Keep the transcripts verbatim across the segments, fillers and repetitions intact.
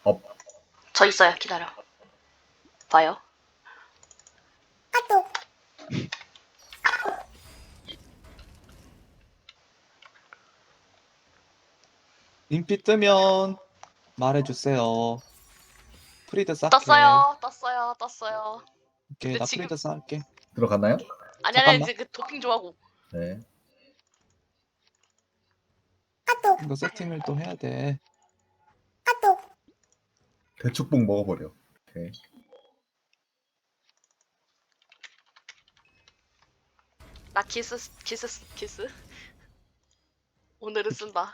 업. 저 있어요. 기다려. 봐요. 인피 뜨면 말해주세요. 프리드 쌓게. 떴어요. 떴어요. 떴어요. 오케이, 근데 나 지금- 프리드 쌓을게. 들어갔나요? 아니 아니 잠깐만. 이제 그 도핑 좀 하고. 네. 이거 세팅을 또 해야 돼. 대축복 먹어버려. 오케이. 나 키스 키스 키스. 오늘은 쓴다.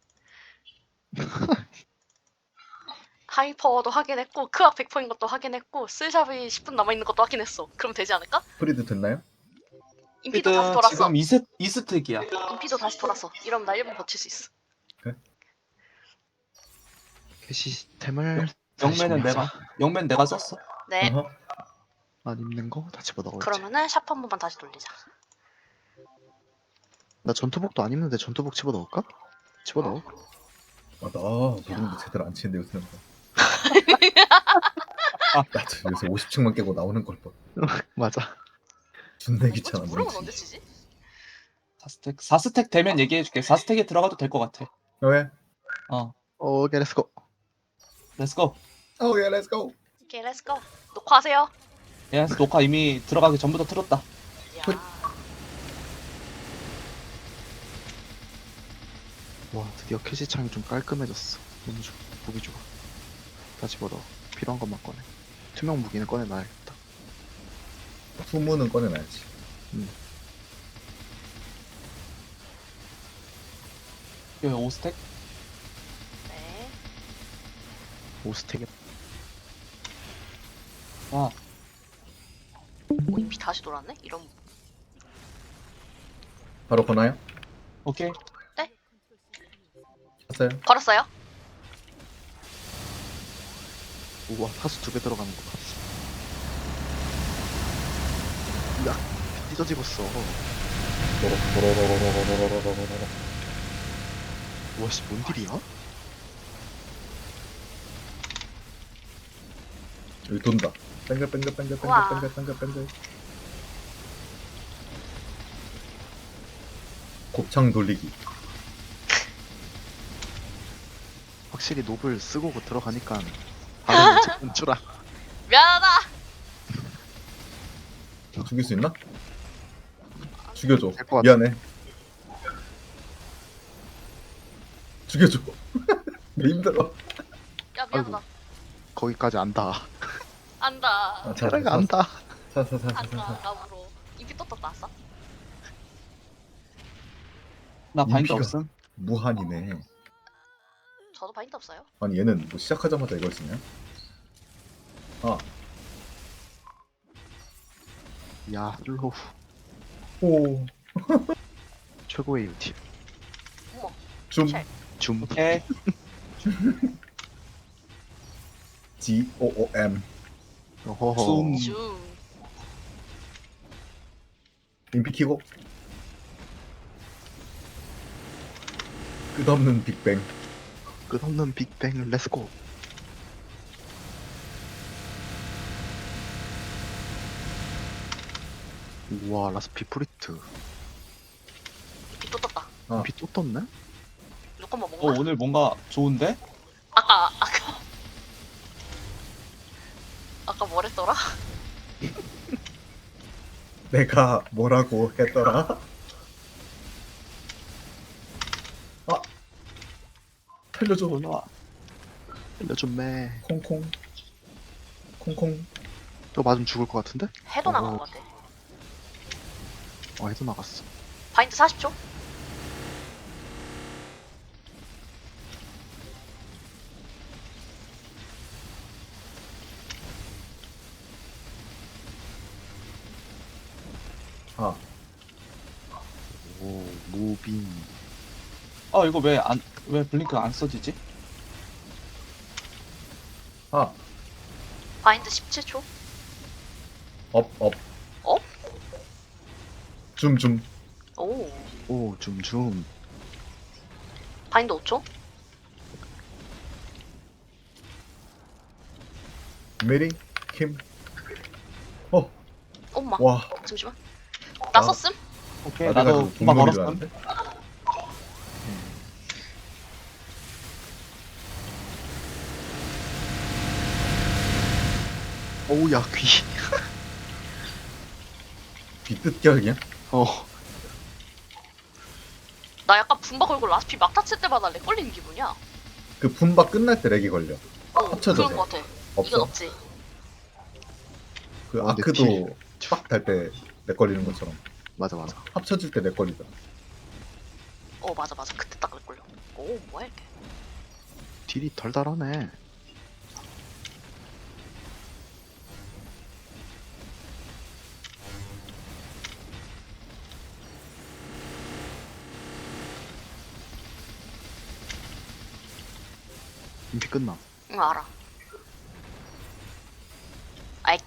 하이퍼워도 확인했고 크악 백 퍼인 것도 확인했고 스샵이 십 분 남아있는 것도 확인했어. 그럼 되지 않을까? 프리드 됐나요? 인피도 프리드 다시 돌았어. 지금 이스, 이스택이야. 인피도 다시 돌았어. 이러면 나 일 분 버틸 수 있어. 그 시스템을 영매는 다시 내가 영매는 내가 썼어. 네. 어허. 안 입는 거 다 집어넣을지. 그러면은 샵 한 번만 다시 돌리자. 나 전투복도 안 입는데 전투복 집어넣을까? 집어넣어. 아, 나 모르는데 제대로 안 치는데 요새는. 나도 요새 오십 층만 깨고 나오는 걸 봐. 맞아. 존나 이거 귀찮아. 무릎은 뭔지. 언제 치지? 사 스택 사 스택 되면 얘기해줄게. 사 스택에 들어가도 될 것 같아. 왜? 어, 오케이 렛츠고. 렛츠고. 오케이, 렛츠고. 오케이 렛츠고. 녹화하세요. 예스, 녹화 이미 들어가기 전부터 틀었다. 야. 와 드디어 캐시창이 좀 깔끔해졌어. 너무 좋아. 무기 좋아. 다 집어넣어. 필요한 것만 꺼내. 투명 무기는 꺼내놔야겠다. 후문은 꺼내놔야지. 여기 오 스택. 네. 오스텍에 와, 오 인피 다시 돌았네? 이런. 바로 거나요? 오케이. 했어요? 걸었어요? 우와 타수 두 배 들어가는 거 봤어. 야 찢어집었어. 도로로로로로로로로로로로로. 와씨 뭔 딜이야? 여기 돈다. 뱅글 뱅글 뱅글 뱅글 우와. 뱅글 뱅글 뱅글. 곱창 돌리기. 확실히 노블 쓰고 들어가니까 바로 연출아. 미안하다. 죽일 수 있나? 죽여줘. 될것 같아. 미안해. 죽여줘. 왜 힘들어? 야 미안하다. 거기까지 안다. 안다. 아, 자, 테라가 자, 안다. 자, 자, 자, 자, 안다. 자. 나무로. 인피 또 떴다 왔어? 나 바인드 인피가- 없음. 무한이네. 저도 바인드 없어요. 아니 얘는 뭐 시작하자마자 이걸 쓰냐? 아, 야 슬로우 오, 최고의 유팁. 어머. 줌, 쉘. 줌. 오케이. G O O M. 어허허. 줌. 줌. 인피 키고. 끝없는 빅뱅. 끝없는 빅뱅 렛츠고. 우와 라스피 프리트. 인피 또 떴다. 아, 비 또 떴네? 누꺼만 어, 먹나? 오늘 뭔가 좋은데? 아까 아까 아까 뭐랬더라? 내가 뭐라고 했더라? 아, 살려줘. 올라와. 알려줬네. 콩콩, 콩콩. 또 맞으면 죽을 것 같은데? 해도 나간 어. 것 같아. 어 해도 나갔어. 바인드 사십 초? 아, 오 무빙. 아, 이거 왜 안 왜 블링크 안 써지지? 아, 바인드 십칠 초? 업, 업. 업? 줌, 줌. 오. 오 줌줌. 바인드 오 초? 메리 킴. 어, 엄마. 와. 잠시만. 나 아. 썼음? 오케이 아, 내가 나도 그 금방 공룡인 줄 걸었음. 알았는데? 어우 야 귀. 비뜻결이야? 어. 나 약간 분바 걸고 라스피 막타 칠 때마다 렉 걸리는 기분이야. 그 분바 끝날 때 렉이 걸려. 어, 합쳐져서. 그런 거 같아. 이건 없어? 없지. 그 어, 근데 아크도 빡 달 때 렉 걸리는 것처럼 맞아 맞아. 합쳐질 때 렉 걸리더라. 어, 맞아, 맞아. 그때 딱 렉 걸려. 오, 뭐야, 이게. 딜이 덜달하네. 인피 끝나. 응, 알아. 아이,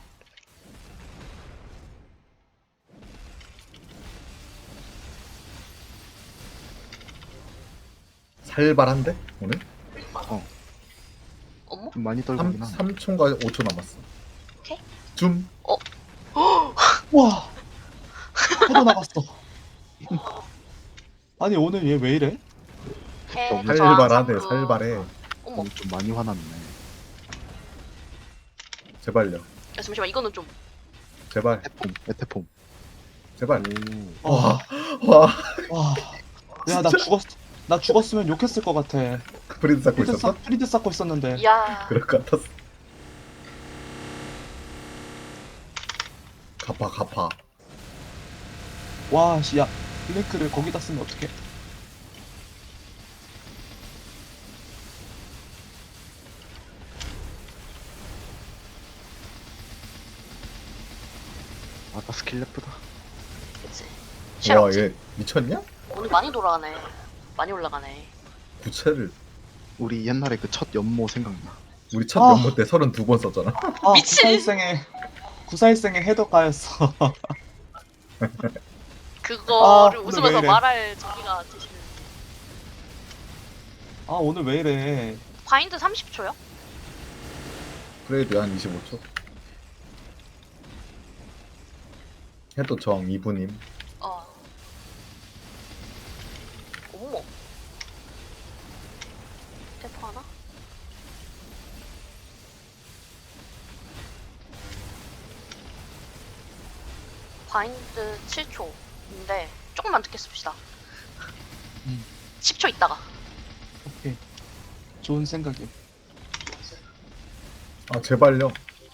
살발한데 오늘? 어머? 좀 많이 떨구긴 하네. 삼 초인가 오 초 남았어. 오케이. 줌. 와 해도 나갔어. 아니 오늘 얘 왜 이래? 해, 살발하네 자, 살발해. 어머, 오늘 좀 많이 화났네. 제발요. 야, 잠시만, 이거는 좀. 제발. 에테폼, 에테폼. 제발. 오. 와. 와. 와. 야 나 죽었 나 죽었으면 욕했을 것 같아. 프리드 쌓고 프리드 있었어? 쌓 프리드 쌓고 있었는데. 야, 그럴 것 같았어. 갚아 갚아. 와, 씨, 야, 블랭크를 거기다 쓰면 어떡해? 아까 스킬 예쁘다. 그치. 쉘 와 없지. 얘 미쳤냐? 오늘 많이 돌아가네. 많이 올라가네. 구체를 우리 옛날에 그 첫 연모 생각나. 우리 첫 아. 연모 때 서른두 번 썼잖아. 아, 미친! 구사일생의 구사일생의 해독가였어. 그거를 아, 오늘 웃으면서 왜 이래. 말할 저기가 되시는. 아, 오늘 왜 이래? 바인드 삼십 초요? 그래도 한 이십오 초. 해도 정 이분임. 어. 어머. 대포 하나? 바인드 칠 초인데 조금만 늦게 씁시다. 음. 십 초 있다가. 오케이. 좋은 생각이. 아 제발요.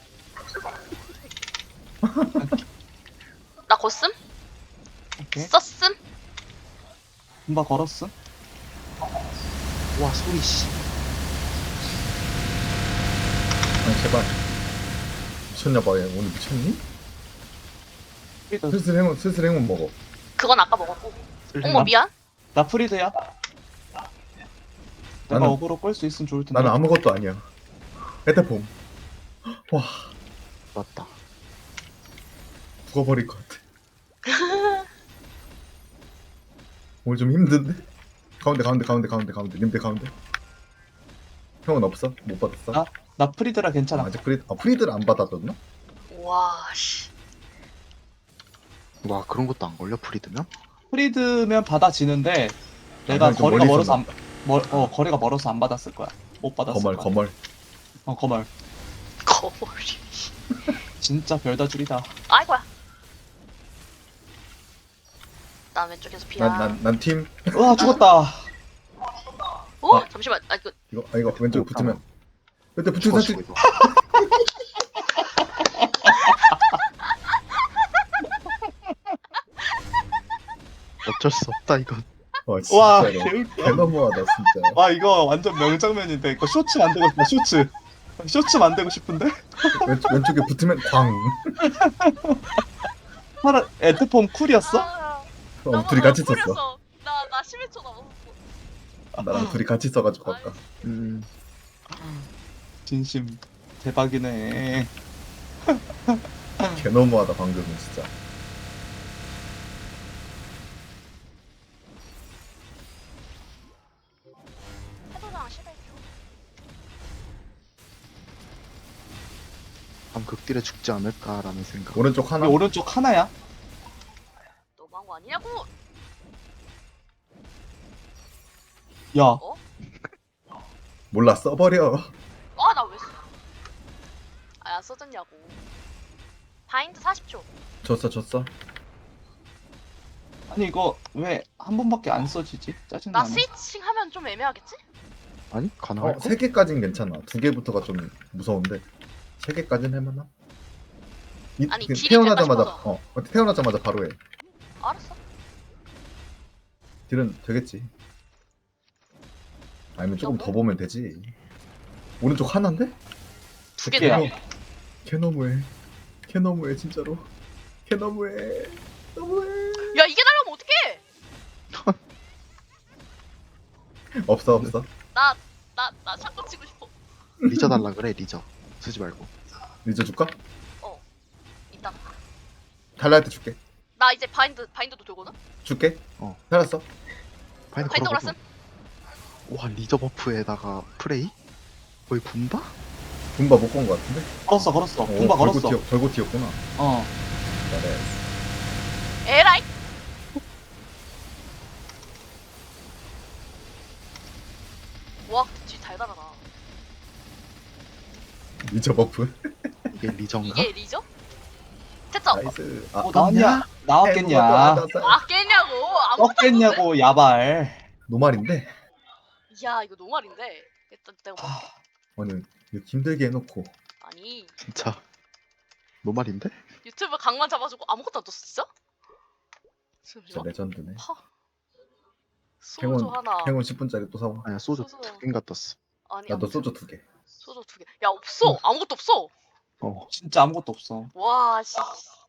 나 곧씀? 오케이. 썼음? 금방 걸었어? 와 소리 씨. 아니 제발. 미쳤냐 봐. 얘 오늘 미쳤니? 프리드. 슬슬 행운 슬슬 행운 먹어. 그건 아까 먹었고. 쓸 어머, 미안. 나 프리드야. 내가 나는- 어그로 끌 수 있으면 좋을 텐데. 나는 아무것도 아니야. 에테폼. 와 맞다. 죽어버릴 것 같아. 오늘 좀 힘든데? 가운데 가운데 가운데 가운데 가운데 님들 가운데. 형은 없어? 못 받았어? 나? 나 프리드라 괜찮아. 아, 아직 프리드 아 프리드를 안 받았었나? 와, 씨. 와 그런 것도 안 걸려 프리드면? 프리드면 받아지는데 내가 아, 좀 거리가 멀리 멀어서 있었나? 안, 멀, 어 거리가 멀어서 안 받았을 거야. 못 받았을 거멀 거야. 거멀. 어 거멀. 거머리. 진짜 별다줄이다. 아이고야. 난 왼쪽에서 비야. 난 난 팀 와 죽었다. 어? 아. 잠시만. 아, 이거 이거 아 이거 왼쪽 오, 붙으면 그때 붙은 죽었어 사실 이거. 어쩔 수 없다 이건. 와 와 진짜로 개웃겨. 개너무하다 진짜. 와 이거 완전 명장면인데 이거 쇼츠 만들고 싶다. 쇼츠. 쇼츠 만들고 싶은데? 왼쪽 왼쪽에 붙으면 광. 파라 에트폼 쿨이었어? 아, 어, 둘이 같이 썼어. 뿌렸어. 나, 나 십일 초 남았어. 나랑 둘이 같이 써가지고 아까. 음. 진심 대박이네. 개너무하다 방금은 진짜. 해도랑 십일 초. 한 극딜에 죽지 않을까라는 생각. 오른쪽 하나. 우리 오른쪽 하나야. 너무한 거 아니냐고. 야, 몰라 써버려. 아 나 왜 써? 아안 써졌냐고. 바인드 사십 초. 줬어 줬어. 아니 이거 왜 한 번밖에 안 써지지? 나 짜증나네. 스위칭 하면 좀 애매하겠지? 아니 가능할 어, 거? 세 개까진 괜찮아. 두 개부터가 좀 무서운데. 세 개까진 할만하? 이, 아니, 그 딜이 태어나자마자 될까 싶어서. 어 어, 태어나자마자 바로 해. 알았어. 딜은 되겠지. 아니면 조금 너무? 더 보면 되지. 오른쪽 하나인데? 두 개야. 개네. 걔 너무해. 걔 너무해 진짜로. 걔 너무해. 너무해. 야 이게 날라면 어떡해? 없어 없어. 나 나 나 샷건 치고 싶어. 리저 달라 그래 리저. 쓰지 말고. 늦어줄까? 이따. 달라 할 때 줄게. 나 이제 바인드 바인드도 되거든. 줄게. 어. 살았어. 바인드 바인드 걸어보고. 걸었음. 와 리저 버프에다가 프레이? 거의 분바? 분바 못 건 거 같은데? 걸었어, 걸었어. 어, 분바 걸었어. 걸고 튀어, 걸고 튀었구나. 어. 잘해. 에라이. 와, 뒤 달달하다. 리저 버프. 이게 리저인가? 이게 리죠? 됐죠? 나이스. 아, 어, 나왔냐? 나왔겠냐? 아 깼냐고? 아무것도 안 썼네? 떴겠냐고, 야발. 노말인데? 야 이거 노말인데. 일단 내가 뭐 아, 아니 이거 힘들게 해놓고 아니 진짜 노말인데? 유튜브 강만 잡아주고 아무것도 안 떴어 진짜? 진짜 잠시만. 레전드네. 하. 소주 행운- 하나. 행운 십 분짜리 또 사와. 아니야 소주 소주. 두 개인가 떴어. 아니 나도 아무튼 소주 두 개. 소주 두 개. 야 없어. 아무것도 없어. 어. 진짜 아무것도 없어. 와 씨.